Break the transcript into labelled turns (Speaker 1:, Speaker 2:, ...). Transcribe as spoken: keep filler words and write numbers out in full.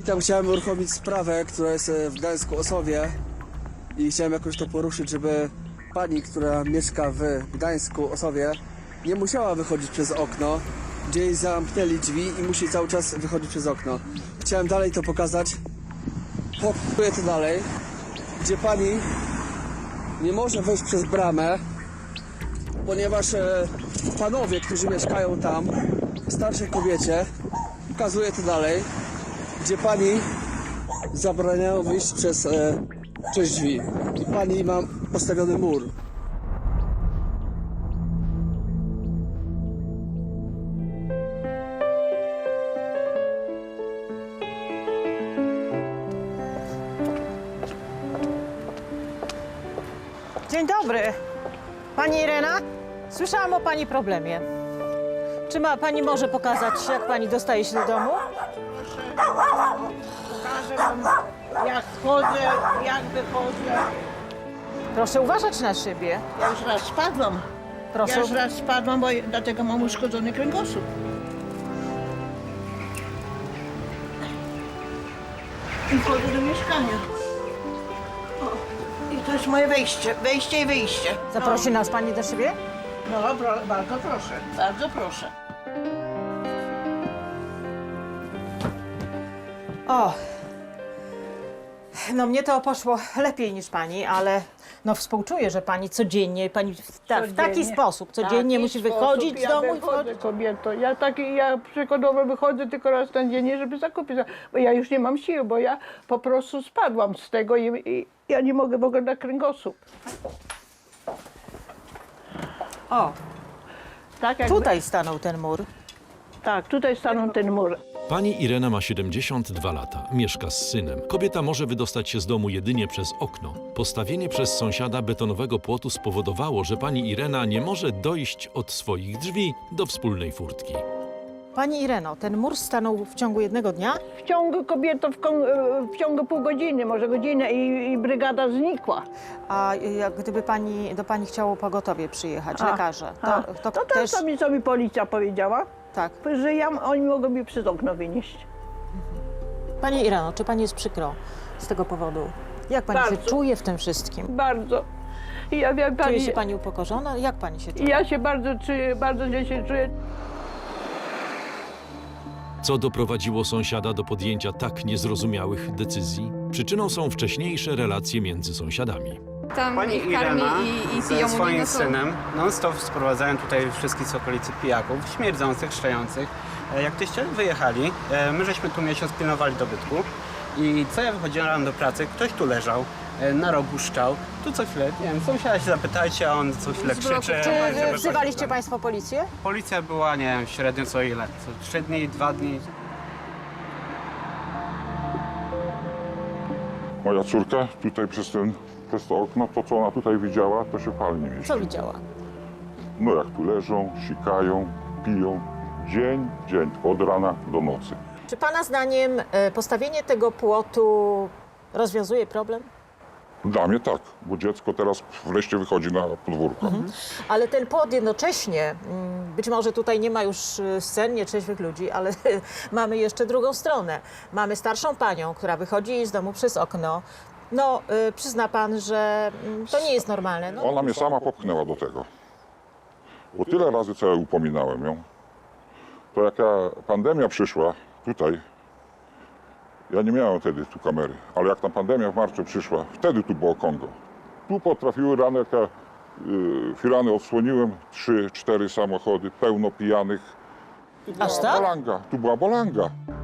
Speaker 1: I tam chciałem uruchomić sprawę, która jest w Gdańsku-Osowie i chciałem jakoś to poruszyć, żeby pani, która mieszka w Gdańsku-Osowie, nie musiała wychodzić przez okno, gdzie jej zamknęli drzwi i musi cały czas wychodzić przez okno. Chciałem dalej to pokazać, pokazuję to dalej, gdzie pani nie może wejść przez bramę, ponieważ e, panowie, którzy mieszkają tam, starszej kobiecie, pokazuję to dalej, gdzie pani zabraniają wyjść przez, e, przez drzwi i pani ma postawiony mur.
Speaker 2: Dzień dobry. Pani Irena? Słyszałam o pani problemie. Czy ma pani może pokazać, jak pani dostaje się do domu?
Speaker 3: Pokażę wam, jak wchodzę, jak wychodzę.
Speaker 2: Proszę uważać na siebie.
Speaker 3: Ja już raz spadłam.
Speaker 2: Proszę.
Speaker 3: Ja już raz spadłam, bo dlatego mam uszkodzony kręgosłup. I wchodzę do mieszkania. O, i to jest moje wejście, wejście i wyjście.
Speaker 2: Zaprosi nas pani do siebie?
Speaker 3: No, no pro, bardzo proszę, bardzo proszę.
Speaker 2: O. No mnie to poszło lepiej niż pani, ale no współczuję, że pani codziennie, pani w, ta, w taki
Speaker 3: Codziennie.
Speaker 2: sposób codziennie
Speaker 3: Taki
Speaker 2: musi
Speaker 3: sposób
Speaker 2: wychodzić z
Speaker 3: ja
Speaker 2: domu i
Speaker 3: wychodzę,
Speaker 2: wchodzić.
Speaker 3: kobieto. Ja taki, ja przykładowo wychodzę tylko raz na dzień, żeby zakupić, bo ja już nie mam siły, bo ja po prostu spadłam z tego i, i ja nie mogę w ogóle na kręgosłup.
Speaker 2: O,
Speaker 3: Tak, jakby,
Speaker 2: tutaj stanął ten mur.
Speaker 3: tak, tutaj stanął ten mur.
Speaker 4: Pani Irena ma siedemdziesiąt dwa lata, mieszka z synem. Kobieta może wydostać się z domu jedynie przez okno. Postawienie przez sąsiada betonowego płotu spowodowało, że pani Irena nie może dojść od swoich drzwi do wspólnej furtki.
Speaker 2: Pani Ireno, ten mur stanął w ciągu jednego dnia?
Speaker 3: W ciągu kobieto, w, kon- w ciągu pół godziny, może godzinę i, i brygada znikła.
Speaker 2: A jak gdyby pani, do pani chciało pogotowie przyjechać,
Speaker 3: A,
Speaker 2: lekarze,
Speaker 3: a,
Speaker 2: to, to,
Speaker 3: to
Speaker 2: też...
Speaker 3: też co mi, co mi policja powiedziała,
Speaker 2: Tak.
Speaker 3: że ja, oni mogą mi przez okno wynieść.
Speaker 2: Pani Ireno, czy pani jest przykro z tego powodu? Jak pani się
Speaker 3: Bardzo.
Speaker 2: czuje w tym wszystkim?
Speaker 3: Bardzo. I ja wiem,
Speaker 2: Czuje
Speaker 3: pani,
Speaker 2: się pani upokorzona? Jak pani się czuje?
Speaker 3: ja się bardzo czuję, bardzo źle się czuję.
Speaker 4: Co doprowadziło sąsiada do podjęcia tak niezrozumiałych decyzji? Przyczyną są wcześniejsze relacje między sąsiadami.
Speaker 5: Tam
Speaker 6: Pani
Speaker 5: ich karmi
Speaker 6: Irena
Speaker 5: i, i piją
Speaker 6: ze
Speaker 5: u
Speaker 6: swoim
Speaker 5: niego są.
Speaker 6: synem non-stop sprowadzają tutaj wszystkich z okolicy pijaków, śmierdzących, szczających. E, Jak tyście wyjechali, e, my żeśmy tu miesiąc pilnowali dobytku i co ja wychodziłem do pracy, ktoś tu leżał, e, na rogu szczał, tu co chwilę, nie wiem, sąsiada się zapytajcie, a on co chwilę
Speaker 5: Z bloku.
Speaker 6: krzyczy.
Speaker 2: Czy
Speaker 6: żeby
Speaker 2: wzywaliście
Speaker 6: coś-
Speaker 2: państwo policję?
Speaker 6: Policja była, nie wiem, średnio co ile, co trzy dni, dwa dni.
Speaker 7: Moja córka tutaj przez, ten, przez to okno, to co ona tutaj widziała, to się palnie mieści.
Speaker 2: Co widziała?
Speaker 7: No jak tu leżą, sikają, piją, dzień, dzień, od rana do nocy.
Speaker 2: Czy pana zdaniem e, postawienie tego płotu rozwiązuje problem?
Speaker 7: Dla mnie tak, bo dziecko teraz wreszcie wychodzi na podwórko.
Speaker 2: Ale ten płot jednocześnie, mm, być może tutaj nie ma już e, scen nietrzeźwych ludzi, ale mamy jeszcze drugą stronę. Mamy starszą panią, która wychodzi z domu przez okno. No, e, przyzna pan, że mm, to nie jest normalne. No,
Speaker 7: Ona mnie sama popchnęła do tego. Bo tyle razy, co ja upominałem ją, to jaka pandemia przyszła tutaj, ja nie miałem wtedy tu kamery, ale jak ta pandemia w marcu przyszła, wtedy tu było Kongo. Tu potrafiły rano, jak ja y, firany odsłoniłem, trzy, cztery samochody, pełno pijanych. Tu
Speaker 2: Aż
Speaker 7: była
Speaker 2: tak?
Speaker 7: Bolanga, tu była bolanga.